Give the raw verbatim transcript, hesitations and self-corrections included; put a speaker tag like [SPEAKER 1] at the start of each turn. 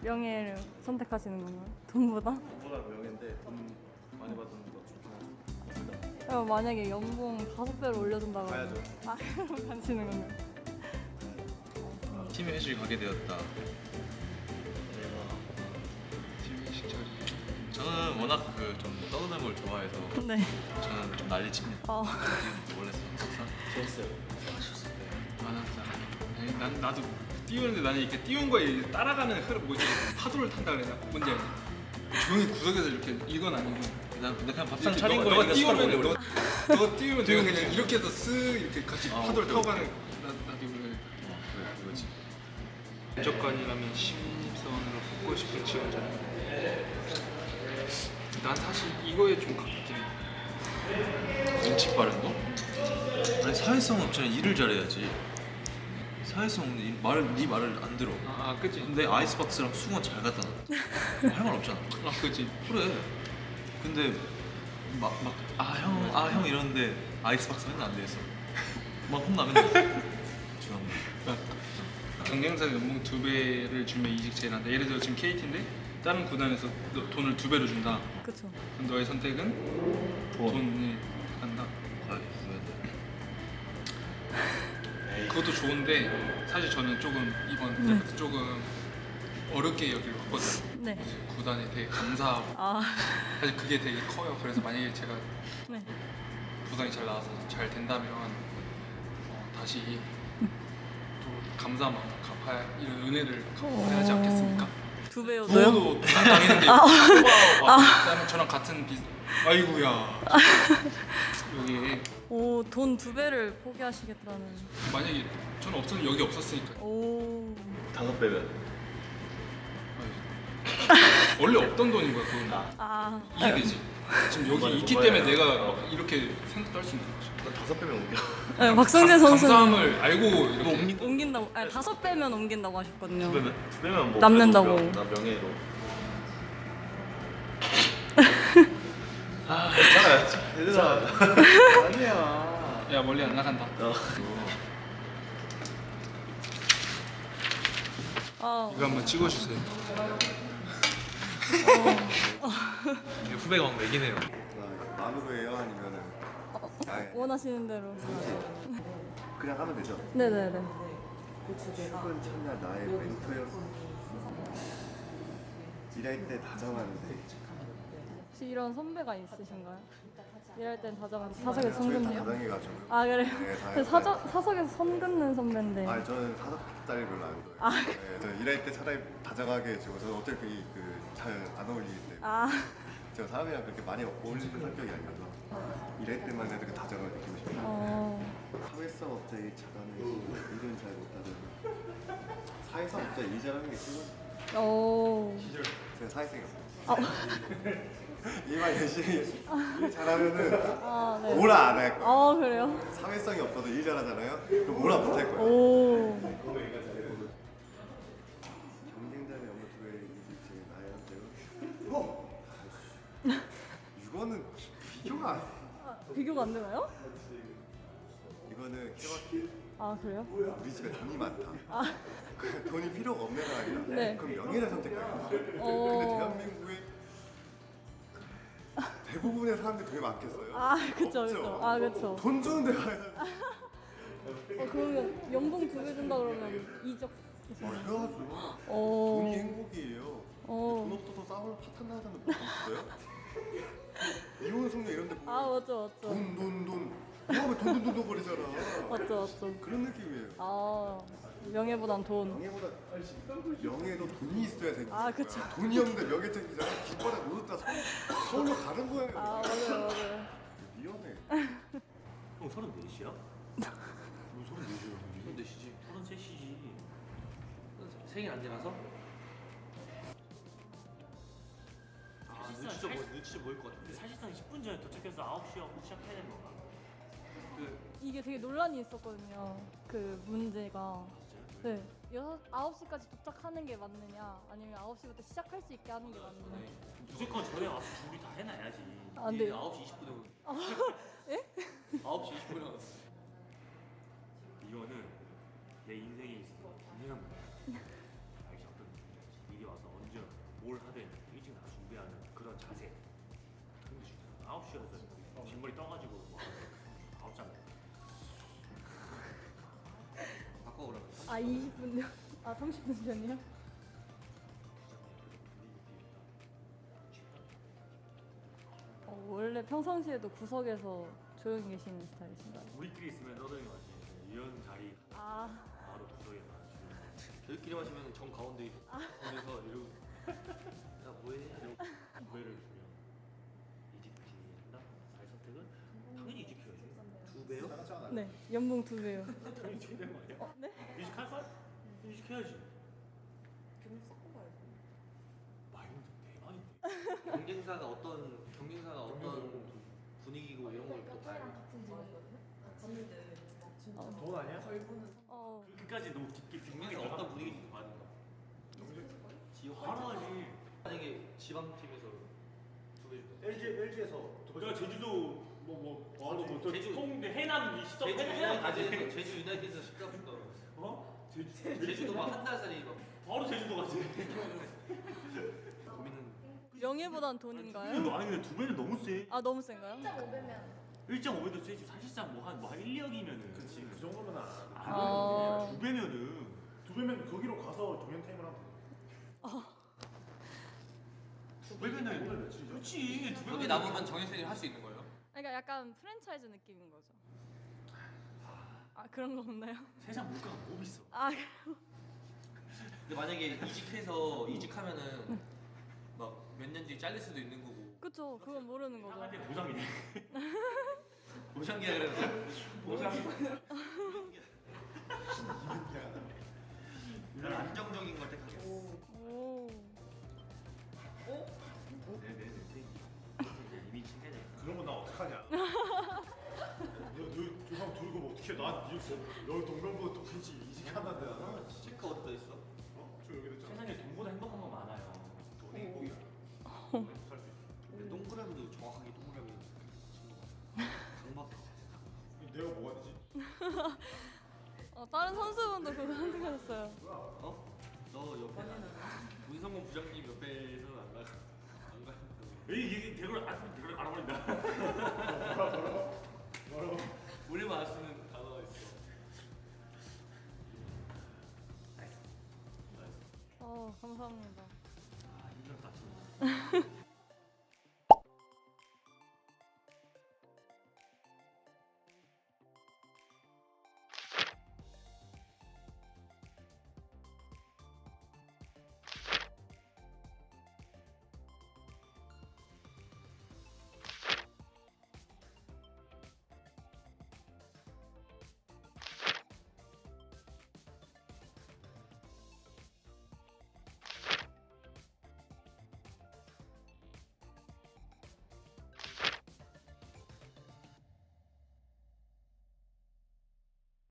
[SPEAKER 1] 명예를 선택하시는 건가요? 돈보다?
[SPEAKER 2] 돈보다 명예인데 돈 많이 받는 거 좋긴 하죠.
[SPEAKER 1] 어, 만약에 연봉 다섯 배로 올려준다 그러면
[SPEAKER 2] 가야죠.
[SPEAKER 1] 아 그럼 가시는 건가요?
[SPEAKER 3] 팀 회식을 가게 되었다.
[SPEAKER 2] 팀 회식 자리.
[SPEAKER 3] 저는 워낙 그 좀 떠드는 걸 좋아해서
[SPEAKER 1] 네.
[SPEAKER 3] 저는 좀 난리칩니다.
[SPEAKER 1] 어.
[SPEAKER 3] 원래 석사?
[SPEAKER 2] 재밌어요.
[SPEAKER 4] 아, 난 나도 띄우는데 나는 이렇게 띄운 거에 따라가는 흐름 뭐지 파도를 탄다 그래야 되나? 뭔지 알지? 조용히 구석에서 이렇게 이건 아니고
[SPEAKER 3] 난 근데 그냥 밥상
[SPEAKER 4] 이렇게
[SPEAKER 3] 차린
[SPEAKER 4] 너가,
[SPEAKER 3] 거에
[SPEAKER 4] 너가 띄우면
[SPEAKER 3] 너
[SPEAKER 4] 너가, 너가 띄우면 내가 그냥 이렇게 해서 쓱 이렇게 같이
[SPEAKER 3] 아,
[SPEAKER 4] 파도를
[SPEAKER 3] 오케이,
[SPEAKER 4] 타고 가는 나, 나도 그래.
[SPEAKER 3] 그래 그거지.
[SPEAKER 4] 면접관이라면 신입사원으로 뽑고 싶은 지원자. 난 사실 이거에 좀 가깝긴 해.
[SPEAKER 3] 눈치 빠른 거? 아니 사회성 없잖아. 일을 잘해야지. 사회성 없는 일, 말을 네 말을 안 들어.
[SPEAKER 4] 아, 아 그치?
[SPEAKER 3] 근데 아이스박스랑 수건 잘 갖다 놔. 할 말 없잖아.
[SPEAKER 4] 아 그치?
[SPEAKER 3] 그래. 근데 막 막 아 형 아 형 이러는데 아이스박스 맨날 안 돼있어. 막 혼나면 죄송합니다.
[SPEAKER 4] 경쟁사 연봉 두 배를 주면 이직 제한한다. 예를 들어 지금 케이티인데 다른 구단에서 너 돈을 두 배로 준다.
[SPEAKER 1] 그쵸.
[SPEAKER 4] 그럼 너의 선택은
[SPEAKER 3] 돈.
[SPEAKER 4] 돈을 한다.
[SPEAKER 3] 과연
[SPEAKER 4] 그것도 좋은데 사실 저는 조금 이번
[SPEAKER 1] 네.
[SPEAKER 4] 때부터 조금 어렵게 여기로 왔거든요.
[SPEAKER 1] 네.
[SPEAKER 4] 구단에 되게 감사하고
[SPEAKER 1] 아
[SPEAKER 4] 사실 그게 되게 커요. 그래서 만약에 제가
[SPEAKER 1] 네.
[SPEAKER 4] 부상이 잘 나와서 잘 된다면 어, 다시 또 감사한 마음 갚아야 이런 은혜를 갚아야 하지 않겠습니까?
[SPEAKER 1] 두 배요도요?
[SPEAKER 4] 부모도 부상 당했는데 오빠가 저랑 같은 비 아이고야 여기
[SPEAKER 1] 오, 돈 두 배를 포기하시겠다는.
[SPEAKER 4] 만약에 저는 없었 여기 없었으니까
[SPEAKER 1] 오.
[SPEAKER 2] 다섯 배면.
[SPEAKER 4] 원래 없던 돈인 거야 그건
[SPEAKER 1] 아.
[SPEAKER 4] 이해되지? 지금 여기
[SPEAKER 2] 이번에
[SPEAKER 4] 있기
[SPEAKER 2] 뽑아야
[SPEAKER 4] 때문에
[SPEAKER 2] 해요.
[SPEAKER 4] 내가 막 이렇게 생각할 수 있는 거지.
[SPEAKER 2] 난 다섯 배면 옮겨.
[SPEAKER 1] 네, 박성재
[SPEAKER 4] 감-
[SPEAKER 1] 선수는
[SPEAKER 4] 감사함을 알고 이렇게
[SPEAKER 1] 옮긴다고. 아니 다섯 배면 옮긴다고 하셨거든요.
[SPEAKER 2] 두 배면 두 배면 뭐
[SPEAKER 1] 남는다고.
[SPEAKER 2] 그래도 명- 나 명예로. 아 괜찮아요. 얘들아. 아니야.
[SPEAKER 4] 야 멀리 안 나간다.
[SPEAKER 2] 어.
[SPEAKER 1] 아.
[SPEAKER 4] 이거 한번 찍어주세요.
[SPEAKER 3] 후배가 막 매기네요.
[SPEAKER 2] 만우예요 아니면은 아예
[SPEAKER 1] 원하시는 대로.
[SPEAKER 2] 그냥 하면 되죠.
[SPEAKER 1] 네네네.
[SPEAKER 2] 최근 참여 나의 멘토였어. 일할 때 다정한데
[SPEAKER 1] 혹시 이런 선배가 있으신가요? 일할 땐 다정한데 사석에서 선
[SPEAKER 2] 저희
[SPEAKER 1] 긋네요?
[SPEAKER 2] 다정해가지고.
[SPEAKER 1] 아 그래.
[SPEAKER 2] 네, 다
[SPEAKER 1] 그 사적 사석에서 선 긋는 선배인데.
[SPEAKER 2] 아 저는 사석 자리 별로 안 좋아해요.
[SPEAKER 1] 아.
[SPEAKER 2] 네, 저는 일할 때 차라리 다정하게 해주고 저는 어차피 그 잘 안 어울리기 때문에
[SPEAKER 1] 아.
[SPEAKER 2] 제가 사람이랑 그렇게 많이 어울리는 성격이 아니라서 일할 때만 해도 그 다정을 느끼고 싶어요.
[SPEAKER 1] 어.
[SPEAKER 2] 사회성 업자에 잘하는 일은 잘 못하는 사회성 업자 일 잘하는 게 최고.
[SPEAKER 1] 오.
[SPEAKER 2] 제가 사회성이 없어요.
[SPEAKER 1] 아.
[SPEAKER 2] 일만 열심히 일 잘하면은
[SPEAKER 1] 아 네.
[SPEAKER 2] 뭐라 안 할 거예요.
[SPEAKER 1] 아 그래요?
[SPEAKER 2] 사회성이 없어도 일 잘하잖아요. 그럼 뭐라 못 할 거예요.
[SPEAKER 1] 오.
[SPEAKER 2] 경쟁자의 업무 두 배의 이직 제일 나의 현재로. 이거는 비교가 안 돼.
[SPEAKER 1] 아, 비교가 안 되나요?
[SPEAKER 2] 이거는 케바케.
[SPEAKER 1] 아 그래요?
[SPEAKER 2] 우리 집에 돈이 많다.
[SPEAKER 1] 아.
[SPEAKER 2] 그 돈이 필요가 없는 아이다.
[SPEAKER 1] 네.
[SPEAKER 2] 그럼 명예를 선택하겠다.
[SPEAKER 1] 어.
[SPEAKER 2] 근데 대한민국에 대부분의 사람들이 돈이 많겠어요?
[SPEAKER 1] 아 그쵸
[SPEAKER 2] 없죠?
[SPEAKER 1] 그쵸. 아 그쵸.
[SPEAKER 2] 돈 주는 데 가야 돼.
[SPEAKER 1] 어 그러면 연봉 두 배 준다 그러면 이적.
[SPEAKER 2] 어려워서
[SPEAKER 1] 오.
[SPEAKER 2] 돈이 행복이에요.
[SPEAKER 1] 어.
[SPEAKER 2] 돈 없어서 싸우러 파탄 나는 사람들 못 있어요? 이혼 성녀 이런 데 보면
[SPEAKER 1] 아 맞죠 맞죠.
[SPEAKER 2] 돈, 돈, 돈. 이러면 돈, 돈, 돈, 돈 거리잖아.
[SPEAKER 1] 맞죠 맞죠.
[SPEAKER 2] 그런 느낌이에요.
[SPEAKER 1] 아 명예보단 돈.
[SPEAKER 2] 명예보다 명예도 돈이 있어야 생기는
[SPEAKER 1] 아, 그쵸.
[SPEAKER 2] 거야. 돈이 없는데 명예 챙기잖아. 깃발에 못 얻다 서울, 서울로 가는 거예요.
[SPEAKER 1] 아 맞아요 맞아요.
[SPEAKER 2] 위험해.
[SPEAKER 5] 형 서른넷이야?
[SPEAKER 3] 뭐 소리 내줘요. 이건 내시지.
[SPEAKER 5] 서른셋이지. 생일 안 지나서? 아, 눈치도 보일, 눈치도 보일 것 같은데. 사실상 십 분 전에 도착해서 아홉 시하고 시작해야 되는 건가? 그
[SPEAKER 1] 이게 되게 논란이 있었거든요. 그 문제가. 네. 여섯 아홉 시까지 도착하는 게 맞느냐, 아니면 아홉 시부터 시작할 수 있게 하는 게 맞느냐.
[SPEAKER 5] 무조건 전에 와서 준비 다 해놔야지.
[SPEAKER 1] 아, 네.
[SPEAKER 5] 아홉 시 이십 분에 오는.
[SPEAKER 1] 예?
[SPEAKER 5] 아홉 시 이십 분에 오는. 이거는 내 인생에 있어서 분명한 문제야. 알지 어떤 느낌인지. 미리 와서 언제 뭘 하든 일찍 나가 준비하는 그런 자세. 그런 게 중요해. 아홉 시여서 뒷머리 떠가지고 뭐 아홉 장.
[SPEAKER 3] 바꿔 그러면.
[SPEAKER 1] 아 이십 분요? 아 삼십 분 전이요? 어, 원래 평상시에도 구석에서 조용히 계시는 스타일이신가요?
[SPEAKER 5] 우리끼리 있으면 너덜이 맞지. 이런 자리
[SPEAKER 1] 아
[SPEAKER 5] 바로 구석에 맞추는.
[SPEAKER 3] 저희끼리 마시면 정 가운데 거기서 이러고 야 뭐해? 이러고
[SPEAKER 5] 두배를 주면 이직한다. 살 선택은 당연히 이직해야지.
[SPEAKER 3] 두 배요?
[SPEAKER 1] 네, 연봉 두 배요.
[SPEAKER 5] 당연히 이직해야 되는 거 아니야?
[SPEAKER 1] 어, 네?
[SPEAKER 5] 이직할 거야? 이직해야지. 마인드 대박인데.
[SPEAKER 3] 경쟁사가 어떤 경쟁사가 어떤 분위기고 이런 걸 또 다 알고.
[SPEAKER 2] 돈 아니야?
[SPEAKER 1] 어,
[SPEAKER 5] 그까지 너무 깊게
[SPEAKER 3] 경쟁사 어떤 분위기인지 봐야 된다. 지역
[SPEAKER 5] 바로 하지.
[SPEAKER 3] 만약에 지방팀에서 두배 주다.
[SPEAKER 2] 엘지 엘지에서
[SPEAKER 5] 내가 제주도 뭐뭐 바로 뭐또
[SPEAKER 3] 제주-
[SPEAKER 5] 통대 해남 이 시점
[SPEAKER 3] 제주
[SPEAKER 5] 해남 가지.
[SPEAKER 3] 유나이티드 제주 유나이티드에서 십사 분다 그러고 있어.
[SPEAKER 5] 어? 제주
[SPEAKER 3] 제주도 막 한 달 살이 막
[SPEAKER 5] 바로 제주도 가지.
[SPEAKER 3] 고민은
[SPEAKER 1] 명예보단 돈인가요?
[SPEAKER 5] 아니 근데 두 배는 너무 세.
[SPEAKER 1] 아 너무 센가요?
[SPEAKER 5] 일 점 오 배도 세지. 사실상 뭐한 뭐한 일, 이억이면은.
[SPEAKER 2] 그렇지 그 정도면 안
[SPEAKER 1] 아.
[SPEAKER 5] 두 배면은
[SPEAKER 2] 두 배면 거기로 가서 종현 타임을 하면 돼.
[SPEAKER 5] 두 배면은
[SPEAKER 2] 오늘 며칠이죠?
[SPEAKER 5] 그렇지. 두 배면
[SPEAKER 4] 여기 남으면 정해선이 할 수 있는 거예요?
[SPEAKER 1] 그러니까 약간 프랜차이즈 느낌인 거죠. 아 그런 거 없나요?
[SPEAKER 5] 세상 물가가 너무 비싸.
[SPEAKER 1] 아
[SPEAKER 3] 근데 만약에 이직해서 이직하면은 막 몇 년 뒤에 잘릴 수도 있는 거고
[SPEAKER 1] 그쵸, 그건 모르는 거죠.
[SPEAKER 5] 나한테 보장이네.
[SPEAKER 3] 보장기야 그래서 보장기 난 안정적인 걸 택하겠어.
[SPEAKER 1] 오.
[SPEAKER 5] 네네네. 이미 친해져.
[SPEAKER 2] 그런 건 나 어떡하냐? 너너 조상 들고 뭐 어떻게 난 이거 여기 동명보 똑같이 이직한다는데 나는
[SPEAKER 3] 체크 어디다 있어?
[SPEAKER 2] 어? 저 여기 됐잖아.
[SPEAKER 5] 세상에 돈보다 행복한 건 많아요.
[SPEAKER 2] 돈이 행복이야. 살수 있어.
[SPEAKER 3] 근데 동그라미도 정확하게 동그라미 강박
[SPEAKER 2] 내가 뭐가 되지?
[SPEAKER 1] 어, 다른 선수분도 그거 선택하셨어요.
[SPEAKER 3] 어? 너 옆에 문성곤 부장님 옆에서는 안 가. 안 가.
[SPEAKER 5] 왜 이게 대걸 안 대걸 알아버린다.
[SPEAKER 2] 뭐라고?
[SPEAKER 3] 우리만 알 수 있는 단어가 있어.
[SPEAKER 1] 어 감사합니다.